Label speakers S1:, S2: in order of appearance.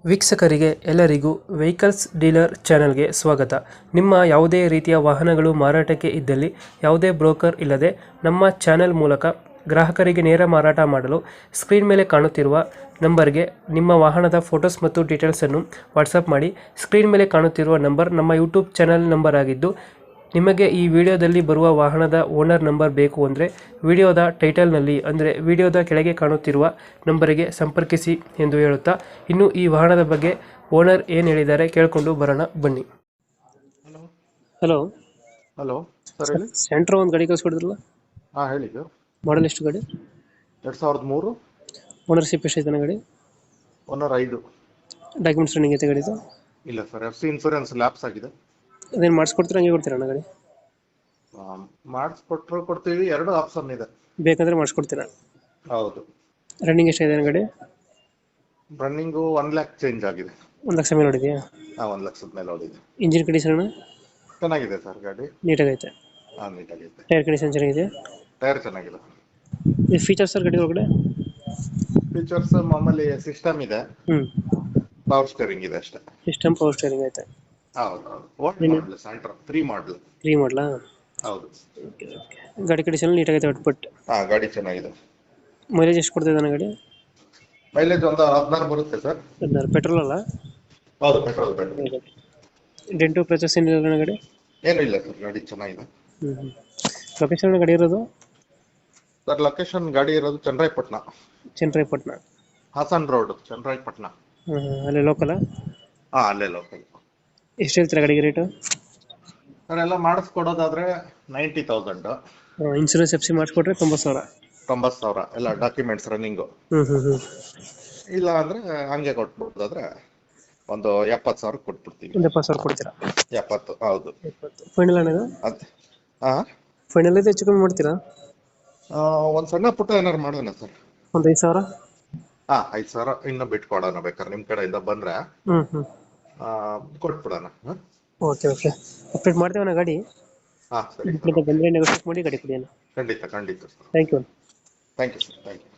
S1: ವೀಕ್ಷಕರಿಗೆ ಎಲ್ಲರಿಗೂ vehicles dealer ಚಾನೆಲ್ಗೆ ಸ್ವಾಗತ. ನಿಮ್ಮ ಯಾವುದೇ ರೀತಿಯ ವಾಹನಗಳು ಮಾರಾಟಕ್ಕೆ ಇದ್ದಲ್ಲಿ ಯಾವುದೇ ಬ್ರೋಕರ್ ಇಲ್ಲದೆ ನಮ್ಮ ಚಾನೆಲ್ ಮೂಲಕ ಗ್ರಾಹಕರಿಗೆ ನೇರ ಮಾರಾಟ ಮಾಡಲು ಸ್ಕ್ರೀನ್ ಮೇಲೆ ಕಾಣುತ್ತಿರುವ ನಂಬರ್ಗೆ ನಿಮ್ಮ ವಾಹನದ ಫೋಟೋಸ್ ಮತ್ತು ಡೀಟೇಲ್ಸನ್ನು ವಾಟ್ಸಪ್ ಮಾಡಿ. ಸ್ಕ್ರೀನ್ ಮೇಲೆ ಕಾಣುತ್ತಿರುವ ನಂಬರ್ ನಮ್ಮ ಯೂಟ್ಯೂಬ್ ಚಾನೆಲ್ ನಂಬರ್ ಆಗಿದ್ದು, ನಿಮಗೆ ಈ ವಿಡಿಯೋದಲ್ಲಿ ಬರುವ ವಾಹನದ ಓನರ್ ನಂಬರ್ ಬೇಕು ಅಂದರೆ ವಿಡಿಯೋದ ಟೈಟಲ್ನಲ್ಲಿ ಅಂದರೆ ವಿಡಿಯೋದ ಕೆಳಗೆ ಕಾಣುತ್ತಿರುವ ನಂಬರಿಗೆ ಸಂಪರ್ಕಿಸಿ ಎಂದು ಹೇಳುತ್ತಾ, ಇನ್ನು ಈ ವಾಹನದ ಬಗ್ಗೆ ಓನರ್ ಏನು ಹೇಳಿದ್ದಾರೆ ಕೇಳಿಕೊಂಡು ಬರೋಣ ಬನ್ನಿ.
S2: ಹಲೋ
S1: ಹಲೋ
S2: ಹಲೋ ಸರ್ ಹೇಳಿ.
S1: ಸೆಂಟ್ರ್ ಒಂದು ಗಾಡಿ ಕಳಿಸ್ಕೊಡಿದ್ರಲ್ಲ,
S2: ಹಾಂ ಹೇಳಿ ಸರ್.
S1: ಮಾಡಲ್ ಎಷ್ಟು ಗಾಡಿ?
S2: 2003
S1: ಓನರ್ಶಿಪ್ ಎಷ್ಟೈತೆ ಗಾಡಿ?
S2: ಓನರ್ 5.
S1: ಡಾಕ್ಯುಮೆಂಟ್ಸ್ ರನ್ನಿಂಗ್ ಐತೆ ಗಾಡಿದು?
S2: ಇಲ್ಲ ಸರ್, FC ಇನ್ಸೂರೆನ್ಸ್ ಲ್ಯಾಪ್ಸ್ ಆಗಿದೆ.
S1: ಅದೇನು ಮಾಡಿಸ್ಕೊಡ್ತೀರಾ ಹಂಗೆ ಕೊಡ್ತೀರಾ ಗಾಡಿ?
S2: ಮಾಡಿಸ್ಕೊಟ್ರು ಕೊಡ್ತೀವಿ, ಎರಡು ಆಪ್ಷನ್ ಇದೆ.
S1: ಬೇಕಂದ್ರೆ ಮಾಡಿಸ್ಕೊಡ್ತೀರಾ?
S2: ಹೌದು.
S1: ರನ್ನಿಂಗ್ ಎಷ್ಟಾಗಿದೆ ಗಾಡಿ?
S2: ರನ್ನಿಂಗು 1 lakh ಚೇಂಜ್ ಆಗಿದೆ.
S1: 1 ಲಕ್ಷ ಮೇಲೆ ಹೊಡಿದೆಯಾ?
S2: ಹಾಂ, 1 ಲಕ್ಷದ ಮೇಲೆ ಹೊಡಿದೆ.
S1: ಇಂಜಿನ್ ಕಂಡೀಷನ್
S2: ಚೆನ್ನಾಗಿದೆ ಸರ್ ಗಾಡಿ.
S1: ನೀಟಾಗೈತೆ?
S2: ಹಾಂ, ನೀಟಾಗೈತೆ.
S1: ಟೈರ್ ಕಂಡೀಷನ್ ಚೆನ್ನಾಗಿದೆ?
S2: ಟೈರ್ ಚೆನ್ನಾಗಿದೆ.
S1: ಈ ಫೀಚರ್ಸ್ ಸರ್ ಗಾಡಿ ಒಳಗಡೆ?
S2: ಫೀಚರ್ಸ್ ಮಾಮೂಲಿ ಸಿಸ್ಟಮ್ ಇದೆ, ಪವರ್ ಸ್ಟೇರಿಂಗ್ ಇದೆ ಅಷ್ಟೇ.
S1: ಸಿಸ್ಟಮ್ ಪವರ್ ಸ್ಟೇರಿಂಗ್ ಐತೆ?
S2: ಹೌದು ಹೌದು. ಓಲ್ಡ್ ಮಾಡಲ್, ಸೆಂಟ್ರ್ 3 ಮಾಡಲ್.
S1: 3 ಮಾಡಲಾ?
S2: ಹೌದು.
S1: ಗಾಡಿ ಕಂಡೀಷನ್ ನೀಟಾಗೈತೆ ಒಟ್ಬಿಟ್ಟು?
S2: ಹಾಂ, ಗಾಡಿ ಚೆನ್ನಾಗಿದೆ.
S1: ಮೈಲೇಜ್ ಎಷ್ಟು ಕೊಡ್ತಿದೆ ಗಾಡಿ?
S2: ಮೈಲೇಜ್ ಒಂದು 16 ಬರುತ್ತೆ ಸರ್.
S1: 16. ಪೆಟ್ರೋಲ್ ಅಲ್ಲ?
S2: ಹೌದು, ಪೆಟ್ರೋಲ್.
S1: ಡೆಂಟು ಪ್ರಚಸ್ ಏನಿಲ್ಲ ಗಾಡಿ?
S2: ಏನೂ ಇಲ್ಲ ಸರ್, ಗಾಡಿ ಚೆನ್ನಾಗಿದೆ.
S1: ಲೊಕೇಶನ್ ಗಾಡಿ ಇರೋದು
S2: ಸರ್? ಲೊಕೇಶನ್ ಗಾಡಿ ಇರೋದು ಚನ್ನರಾಯಪಟ್ಟಣ.
S1: ಚನ್ನರಾಯಪಟ್ಟಣ?
S2: ಹಾಸನ್ ರೋಡ್, ಚನ್ನರಾಯಪಟ್ಟಣ.
S1: ಅಲ್ಲೇ ಲೋಕಲ್?
S2: ಹಾಂ, ಅಲ್ಲೇ ಲೋಕಲ್.
S1: ಎಷ್ಟು ಹೇಳ್ತೀರಾ ಗಾಡಿಗೆ ರೇಟು?
S2: ಸರ್ ಎಲ್ಲ ಮಾಡಿಸ್ಕೊಡೋದಾದ್ರೆ 90,000.
S1: Insurance FC ಮಾಡಿಸ್ಕೊಟ್ರೆ 90,000?
S2: 90,000 ಎಲ್ಲ ಡಾಕ್ಯುಮೆಂಟ್ಸ್ ರನ್ನಿಂಗು. ಇಲ್ಲ ಅಂದ್ರೆ ಹಂಗೆ ಕೊಟ್ಬಿಡೋದಾದ್ರೆ ಒಂದು 70,000 ಕೊಟ್ಬಿಡ್ತೀವಿ.
S1: 70,000 ಕೊಡ್ತೀರಾ?
S2: 70. ಹೌದು.
S1: ಫೈನಲ್ ಅಣ್ಣ?
S2: ಹಾಂ,
S1: ಫೈನಲ್ ಐತೆ, ಹೆಚ್ಚು ಕಮ್ಮಿ ಮಾಡ್ತೀರಾ?
S2: ಒಂದು ಸಣ್ಣ ಪುಟ್ಟ ಏನಾರು ಮಾಡೋಣ ಸರ್.
S1: ಒಂದು 5,000?
S2: ಹಾಂ, 5,000 ಇನ್ನೂ ಬಿಟ್ಕೊಡೋಣ ಬೇಕಾದ್ರೆ, ನಿಮ್ಮ ಕಡೆಯಿಂದ ಬಂದ್ರೆ ಕೊಟ್ಬಿಡೋಣ.
S1: ಓಕೆ ಓಕೆ, ಅಪ್ಡೇಟ್ ಮಾಡ್ತೀವಣ್ಣ ಗಾಡಿ.
S2: ಹಾಂ ಸರಿ.
S1: ಬಂದರೆ ನೆಗೋಷಿಯೇಟ್ ಮಾಡಿ ಗಾಡಿ ಕೊಡಿ ಅಣ್ಣ.
S2: ಖಂಡಿತ ಖಂಡಿತ sir.
S1: Thank you.
S2: Thank you sir, thank you.